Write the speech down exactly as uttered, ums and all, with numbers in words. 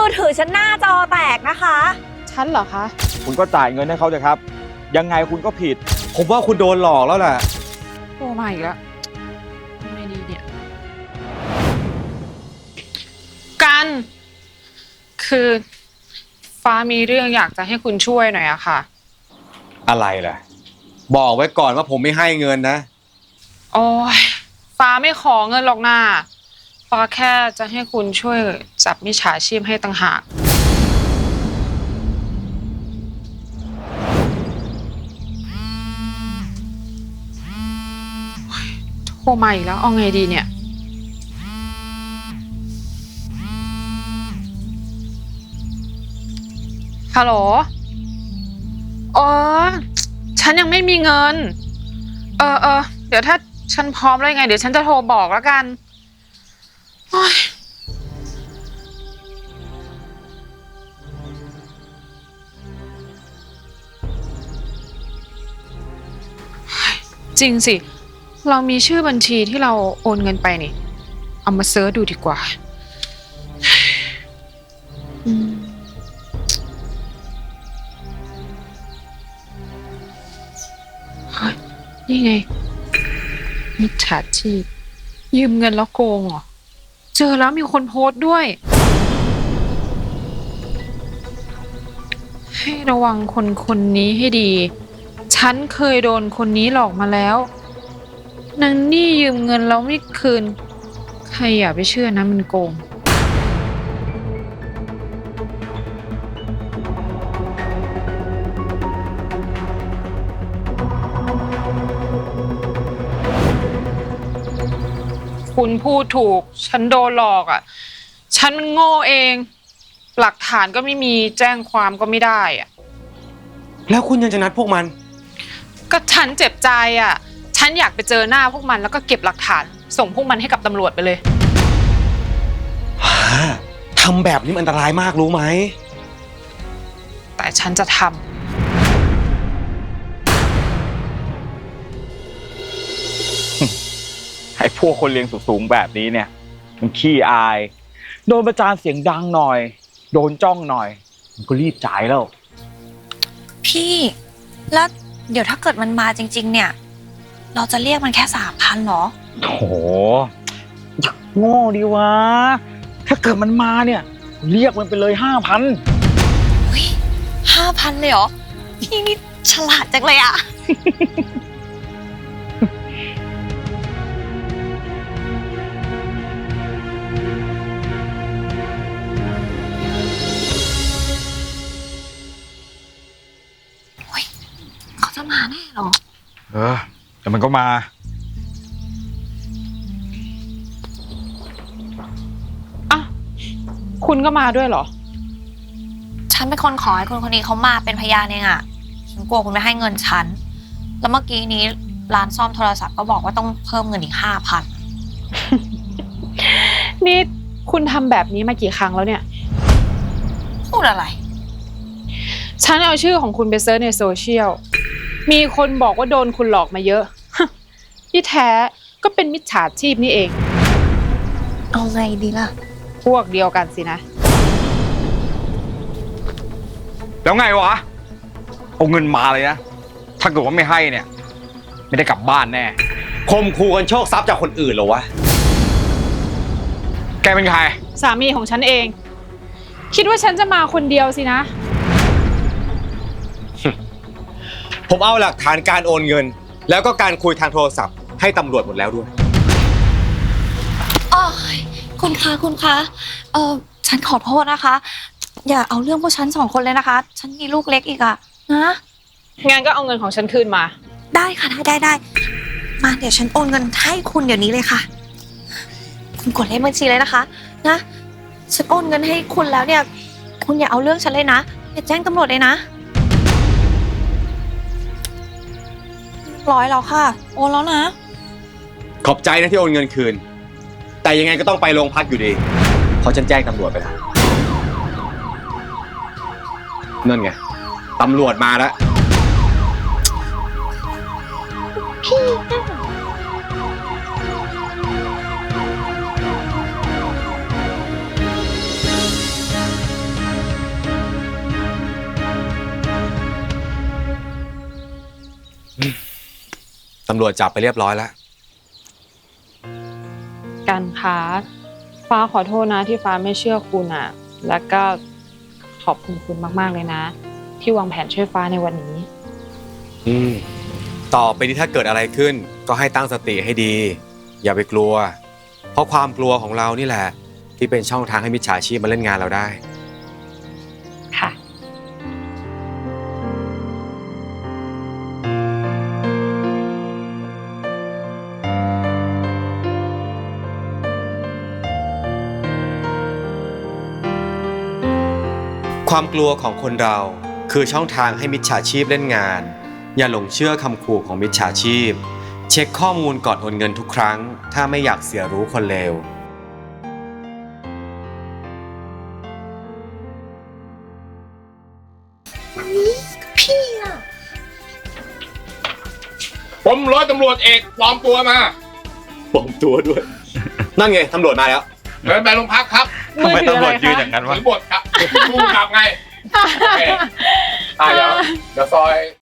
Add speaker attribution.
Speaker 1: อถือฉันหน้าจอแตกนะคะ
Speaker 2: ฉันเหรอคะ
Speaker 3: คุณก็จ่ายเงินให้เขาเถอะครับยังไงคุณก็ผิด
Speaker 4: ผมว่าคุณโดนหลอกแล้วแหละ
Speaker 2: โอ้มาอีกแล้วไม่ดีเนี่ยกันคือฟ้ามีเรื่องอยากจะให้คุณช่วยหน่อยอะค่ะ
Speaker 4: อะไรล่ะบอกไว้ก่อนว่าผมไม่ให้เงินนะ
Speaker 2: โอ้ยฟ้าไม่ขอเงินหรอกนะฟ้าแค่จะให้คุณช่วยจับมิจฉาชีพให้ต่างหากโทรมาอีกแล้วเอาไงดีเนี่ยฮัลโหลอ๋อฉันยังไม่มีเงินเออเออเดี๋ยวถ้าฉันพร้อมแล้วยังไงเดี๋ยวฉันจะโทรบอกแล้วกันโอ๊ยจริงสิเรามีชื่อบัญชีที่เราโอนเงินไปนี่เอามาเสิร์ชดูดีกว่าอืมนี่ไงมิจฉาชีพยืมเงินแล้วโกงเหรอเจอแล้วมีคนโพสต์ด้วยให้ระวังคนคนนี้ให้ดีฉันเคยโดนคนนี้หลอกมาแล้วนางนี่ยืมเงินแล้วไม่คืนใครอย่าไปเชื่อนะมันโกงคุณพูดถูกฉันโดนหลอกอ่ะฉันมันโง่เองหลักฐานก็ไม่มีแจ้งความก็ไม่ได้อ่ะ
Speaker 4: แล้วคุณยังจะนัดพวกมัน
Speaker 2: ก็ฉันเจ็บใจอ่ะฉันอยากไปเจอหน้าพวกมันแล้วก็เก็บหลักฐานส่งพวกมันให้กับตำรวจไปเลย
Speaker 4: ทำแบบนี้มันอันตรายมากรู้ไหม
Speaker 2: แต่ฉันจะทำ
Speaker 3: ไอ้พวกคนเรียนสูงๆแบบนี้เนี่ยมันขี้อายโดนประจานเสียงดังหน่อยโดนจ้องหน่อยมันก็รีบจ่ายแล้ว
Speaker 1: พี่แล้วเดี๋ยวถ้าเกิดมันมาจริงๆเนี่ยเราจะเรียกมันแค่สามพันหรอ
Speaker 3: โถโง่ดีวะถ้าเกิดมันมาเนี่ยเรียกมันไปเลยห้าพัน
Speaker 1: เฮ้ยห้าพันเลยเหรอพี่นี่ฉลาดจังเลยอะเขาจะมาแน่หรอ
Speaker 3: เออแต่มันก็มา
Speaker 2: อ่ะคุณก็มาด้วยเหรอ
Speaker 1: ฉันเป็นคนขอให้คนคนนี้เขามาเป็นพยานเองอะฉันกลัวคุณไม่ให้เงินฉันแล้วเมื่อกี้นี้ร้านซ่อมโทรศัพท์ก็บอกว่าต้องเพิ่มเงินอีกห้าพัน
Speaker 2: นี่คุณทำแบบนี้มากี่ครั้งแล้วเนี่ย
Speaker 1: พูดอะไร
Speaker 2: ฉันเอาชื่อของคุณไปเซิร์ชในโซเชียลมีคนบอกว่าโดนคุณหลอกมาเยอะที่แท้ก็เป็นมิจฉาชีพนี่เอง
Speaker 1: เอาไงดีล่ะ
Speaker 2: พวกเดียวกันสินะ
Speaker 3: แล้วไงวะเอาเงินมาเลยนะถ้าเกิดว่าไม่ให้เนี่ยไม่ได้กลับบ้านแน่
Speaker 4: คมคูกันโชคทรัพย์จากคนอื่นเหรอวะ
Speaker 3: แกเป็นใคร
Speaker 2: สามีของฉันเองคิดว่าฉันจะมาคนเดียวสินะ
Speaker 4: ผมเอาหลักฐานการโอนเงินแล้วก็การคุยทางโทรศัพท์ให้ตำรวจหมดแล้วด้วย
Speaker 1: อ๋อคุณคะคุณคะเออฉันขอโทษนะคะอย่าเอาเรื่องพวกฉันสองคนเลยนะคะฉันมีลูกเล็กอีกอะนะ
Speaker 2: งั้นก็เอาเงินของฉันคืนมา
Speaker 1: ได้ค่ะได้ได้ได้มาเดี๋ยวฉันโอนเงินให้คุณเดี๋ยวนี้เลยค่ะคุณกดเลขบัญชีเลยนะคะนะฉันโอนเงินให้คุณแล้วเนี่ยคุณอย่าเอาเรื่องฉันเลยนะอย่าแจ้งตำรวจเลยนะร้อยแล้วค่ะโอนแล้วนะ
Speaker 4: ขอบใจนะที่โอนเงินคืนแต่ยังไงก็ต้องไปโรงพักอยู่ดีเพราะฉันแจ้งตำรวจไปแล้วนั่นไงตำรวจมาแล้ว
Speaker 1: พี่
Speaker 4: ตำรวจจับไปเรียบร้อยแล้ว
Speaker 2: กันคะฟ้าขอโทษนะที่ฟ้าไม่เชื่อคุณอ่ะ แล้วก็ขอบคุณคุณมากๆเลยนะ ที่วางแผนช่วยฟ้าในวันนี้
Speaker 4: อืมต่อไปนี้ถ้าเกิดอะไรขึ้น ก็ให้ตั้งสติให้ดี อย่าไปกลัว เพราะความกลัวของเรานี่แหละ ที่เป็นช่องทางให้มิจฉาชีพมาเล่นงานเราได้
Speaker 2: ค่ะ
Speaker 4: ความกลัวของคนเราคือช่องทางให้มิจฉาชีพเล่นงาน อย่าหลงเชื่อคำขู่ของมิจฉาชีพ เช็คข้อมูลก่อนโอนเงินทุกครั้ง ถ้าไม่อยากเสียรู้คนเลว
Speaker 1: พี่อะ
Speaker 5: ผมร้อยตำรวจเอกปลอมตัวมา
Speaker 4: ปลอมตัวด้วย นั่นไงตำรวจมาแล้ว
Speaker 5: เดินไปโรงพักครับ
Speaker 3: ทำไมตำรวจยืนอย่างนั้นวะ
Speaker 5: ถือบทครับดูกลับไงโอเคอ่ะเดี๋ยวเดี๋ยวซอย